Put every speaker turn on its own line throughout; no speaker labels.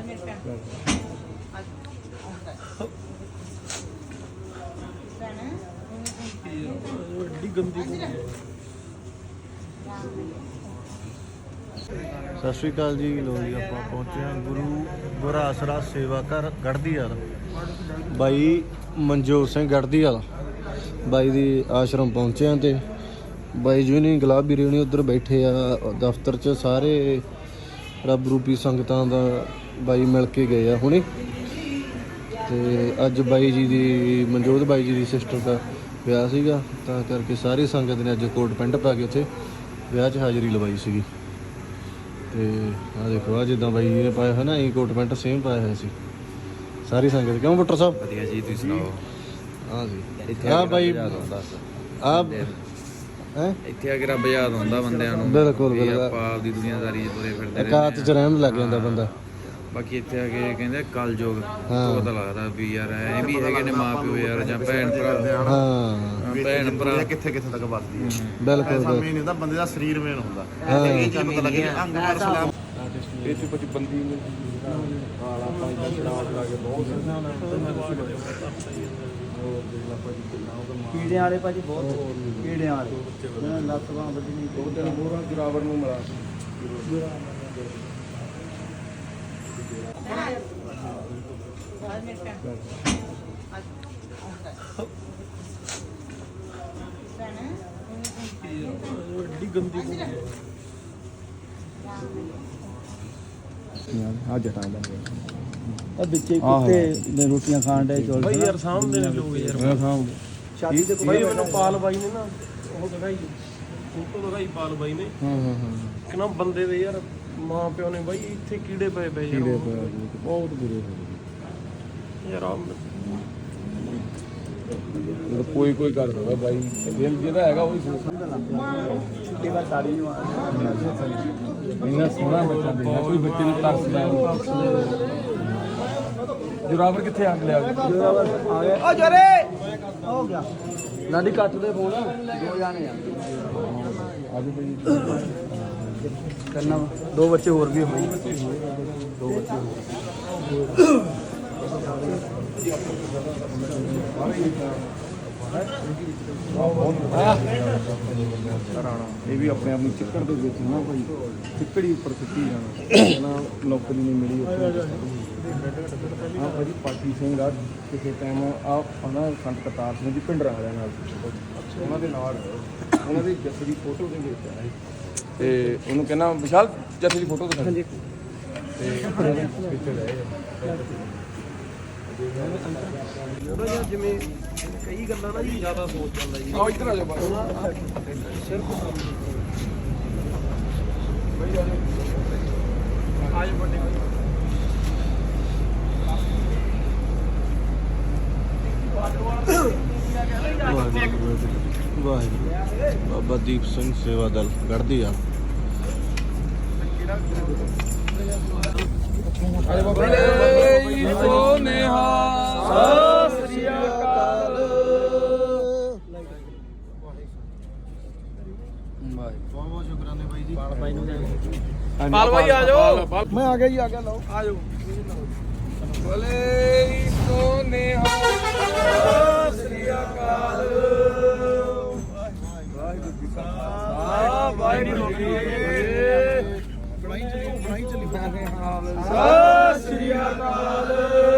ਸਤਿ ਸ਼੍ਰੀ ਅਕਾਲ ਜੀ। ਲੋ ਜੀ ਆਪਾਂ ਪਹੁੰਚੇ ਹਾਂ ਗੁਰੂ ਆਸਰਾ ਸੇਵਾ ਘਰ ਗੜ੍ਹਦੀਵਾਲ। ਬਾਈ ਮਨਜੋਤ ਸਿੰਘ ਗੜ੍ਹਦੀਵਾਲ ਬਾਈ ਦੀ ਆਸ਼ਰਮ ਪਹੁੰਚੇ ਹਾਂ ਤੇ ਬਾਈ ਜੀ ਨਹੀਂ ਗੁਲਾਬ ਵੀਰੇ ਨਹੀਂ ਉੱਧਰ ਬੈਠੇ ਆ ਦਫ਼ਤਰ 'ਚ। ਸਾਰੇ ਰੱਬ ਰੂਪੀ ਸੰਗਤਾਂ ਦਾ ਬਾਈ ਮਿਲ ਕੇ ਗਏ ਆ ਹੁਣੇ। ਤੇ ਅੱਜ ਬਾਈ ਜੀ ਦੀ ਮਨਜੋਤ ਬਾਈ ਜੀ ਦੀ ਸਿਸਟਰ ਦਾ ਵਿਆਹ ਸੀਗਾ, ਤਾਂ ਕਰਕੇ ਸਾਰੀ ਸੰਗਤ ਨੇ ਅੱਜ ਕੋਟ ਪੈਂਟ ਪਾ ਕੇ ਉੱਥੇ ਵਿਆਹ 'ਚ ਹਾਜ਼ਰੀ ਲਵਾਈ ਸੀਗੀ। ਤੇ ਆਹ ਦੇਖੋ, ਆ ਜਿੱਦਾਂ ਬਾਈ ਜੀ ਨੇ ਪਾਇਆ ਹੈ ਨਾ, ਇਹ ਕੋਟ ਪੈਂਟ ਸੇਮ ਪਾਇਆ ਹੋਇਆ ਸੀ ਸਾਰੀ ਸੰਗਤ। ਕਿਉਂ ਬੁੱਟਰ ਸਾਹਿਬ?
ਵਧੀਆ ਜੀ, ਤੁਸੀਂ ਸੁਣਾਓ?
ਹਾਂ ਜੀ। ਆਹ ਬਾਈ ਆਹ ਹੈ
ਇੱਥੇ ਆ ਕੇ ਰੱਬ ਯਾਦ ਆਉਂਦਾ ਬੰਦਿਆਂ ਨੂੰ।
ਬਿਲਕੁਲ
ਆਪਾਂ ਆਪਦੀ ਦੁਨੀਆਦਾਰੀ 'ਚ ਤੁਰੇ ਫਿਰਦੇ
ਇਕਾਤ 'ਚ ਰਹਿਣ ਲੱਗ ਜਾਂਦਾ ਬੰਦਾ।
ਬਾਕੀ ਇੱਥੇ ਆ ਕੇ ਕਹਿੰਦੇ ਕਲਯੁਗ ਪਤਾ ਲੱਗਦਾ ਵੀ ਯਾਰ ਐ ਵੀ ਹੈਗੇ ਨੇ ਮਾਂ ਪਿਓ ਯਾਰ, ਜਾਂ ਭੈਣ ਭਰਾ।
ਹਾਂ,
ਭੈਣ ਭਰਾ
ਕਿੱਥੇ ਕਿੱਥੇ ਤੱਕ ਵੱਧਦੀ ਹੈ।
ਬਿਲਕੁਲ
ਸਮੇਂ ਨਹੀਂ ਹੁੰਦਾ, ਬੰਦੇ ਦਾ ਸਰੀਰ ਮੇਨ ਹੁੰਦਾ। ਇਹ ਚੀਜ਼ ਪਤਾ ਲੱਗੇ ਅੰਗ ਪਰ ਸਲਾਮ
ਇਹ ਚ ਕੁਝ ਬੰਦੀ ਵਾਲਾ ਪਾਈਦਾ ਸ਼ਰਾਬ ਲਾ ਕੇ ਬਹੁਤ
ਕੀੜਿਆਂ ਵਾਲੇ ਭਾਜੀ ਬਹੁਤ ਕੀੜਿਆਂ ਵਾਲੇ ਲੱਤ ਬਾਂਹ ਵੱਡੀ ਨਹੀਂ
ਦੋ ਦਿਨ ਮੋਹਰਾਂ ਜਰਾਵਰ ਨੂੰ ਮਿਲਾ
ਐਡੀ ਗੰਦੀ
ਆ ਜਟਾਂ ਦਾ ਆ ਵਿੱਚੇ ਕੁੱਤੇ ਨੇ ਰੋਟੀਆਂ ਖਾਣ ਦੇ ਚੋਲ
ਬਾਈ ਯਾਰ ਸਾਹਮਣੇ ਨੇ ਲੋਕ ਯਾਰ।
ਮੈਂ ਸਾਹਮਣੇ ਸ਼ਾਦੀ ਤੇ
ਬਾਈ ਮੈਨੂੰ ਪਾਲ ਬਾਈ ਨੇ ਨਾ ਉਹ ਦਿਖਾਈ ਫੋਟੋ ਦਿਖਾਈ ਪਾਲ ਬਾਈ ਨੇ।
ਹਾਂ
ਕਿ ਨਾ ਬੰਦੇ ਦੇ ਯਾਰ ਮਾਂ ਪਿਓ ਨੇ ਬਾਈ ਇੱਥੇ ਕੀੜੇ ਪਏ ਪਏ ਯਾਰ।
ਬਹੁਤ ਬੁਰੇ ਹੋ
ਯਾਰ ਆ
ਕੋਈ ਕਰ ਸਕਦਾ ਬਾਈ, ਦਿਲ ਜਿਹਦਾ ਹੈਗਾ ਉਹੀ
ਛੁੱਟੀ ਵਾਰ ਸਾੜੀ ਨੂੰ
ਇੰਨਾ ਸੋਹਣਾ ਬੱਚਾ ਦੇਖਿਆ, ਕੋਈ ਬੱਚੇ ਨੂੰ ਤਰਸਦਾ ਜਰਾਵਰ ਕਿੱਥੇ ਅੱਗ ਲਿਆ
ਆ ਗਏ। ਓ ਜਰੇ ਹੋ ਗਿਆ
ਲਾਡੀ ਕੱਟ ਦੇ ਫੋਨ।
ਦੋ ਜਾਣੇ ਆ
ਅੱਜ ਬਈ
ਕਰਨਾ ਦੋ ਬੱਚੇ ਹੋਰ ਵੀ ਹੋਏ ਦੋ ਬੱਚੇ
ਇਹ ਵੀ ਆਪਣੇ ਆਪ ਨੂੰ ਚਿੱਕੜ ਦੇ ਵਿੱਚ ਨਾ ਭਾਈ ਚਿੱਕੜੀ ਉੱਪਰ ਸੁੱਟੀ ਜਾਣਾ ਨਾ, ਨੌਕਰੀ ਨਹੀਂ ਮਿਲੀ ਉੱਥੇ। ਆ ਭਾਜੀ ਪਾਟੀ ਸਿੰਘ ਆ ਕਿਸੇ ਟਾਈਮ ਆ ਨਾ ਸੰਤ ਕਰਤਾਰ ਸਿੰਘ ਦੀ ਪਿੰਡਰਾਂ ਵਾਲਿਆਂ ਨਾਲ ਉਹਨਾਂ ਦੇ ਨਾਲ ਉਹਨਾਂ ਦੀ ਜੱਸੇ ਦੀ ਫੋਟੋ ਦੇ ਵਿੱਚ ਆਇਆ ਤੇ ਉਹਨੂੰ ਕਹਿੰਦਾ ਵਿਸ਼ਾਲ ਜੱਸੇ ਦੀ ਫੋਟੋ ਦਿਖਾ ਤੇ ਪਿੱਛੇ ਰਹੇ
ਥੋੜਾ ਜਿਹਾ ਜਿਵੇਂ ਕਈ ਗੱਲਾਂ ਨਾ ਜੀ ਜ਼ਿਆਦਾ ਸੋਚ ਜਾਂਦਾ ਜੀ।
ਆ ਇੱਧਰ ਆ ਜਾਓ ਬਸ
ਸਿਰਫ ਬਈ ਆਜ ਵੱਡੇ ਵਾਹਿਗੁਰੂ। ਬਾਬਾ ਦੀਪ ਸਿੰਘ ਸੇਵਾ ਦਲ ਗੜ੍ਹਦੀਵਾਲ।
ਸਤਿ ਸ੍ਰੀ ਅਕਾਲ।
ਬਹੁਤ ਸ਼ੁਕਰਾਨੇ ਬਾਈ ਜੀ।
ਪਾਲ ਭਾਈ ਆ ਜਾਓ।
ਮੈਂ ਆ ਗਿਆ ਜੀ, ਆ ਗਿਆ ਲਓ
ਆ ਜਾਓ। ਬੋਲੇ ਸੋਨੇਹਾ ਸਤਿ ਸ੍ਰੀ ਅਕਾਲ। ਵਾਹਿਗੁਰੂ ਜੀ ਕਾ ਖਾਲਸਾ ਵਾਹਿਗੁਰੂ ਜੀ ਕੀ ਫਤਿਹ। ਸਤਿ ਸ੍ਰੀ ਅਕਾਲ।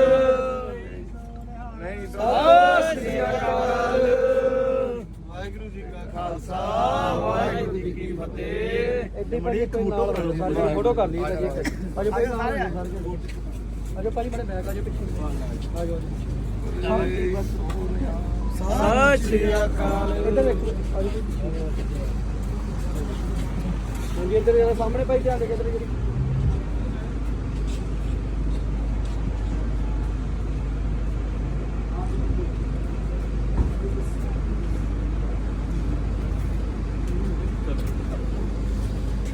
ਨਹੀਂ ਸਤਿ ਸ੍ਰੀ ਅਕਾਲ। ਵਾਹਿਗੁਰੂ ਜੀ ਕਾ ਖਾਲਸਾ ਵਾਹਿਗੁਰੂ ਜੀ ਕੀ ਫਤਿਹ।
ਇੱਥੇ ਬੜੀ ਇੱਕ ਫੋਟੋ ਕਰ ਲਈ ਜੀ। ਅਜੇ ਭਾਈ ਅਜੇ ਭਾਈ ਮੇਰੇ ਬੈਗ ਅਜੇ ਪਿੱਛੇ ਆ ਜਾਓ।
ਸਤਿ ਸ੍ਰੀ ਅਕਾਲ।
ਇੱਧਰ ਦੇਖੋ ਅਜੇ ਹਾਂਜੀ ਇੱਧਰ ਸਾਹਮਣੇ ਭਾਈ ਧਿਆਨ ਦੇ ਕੇ ਇੱਧਰ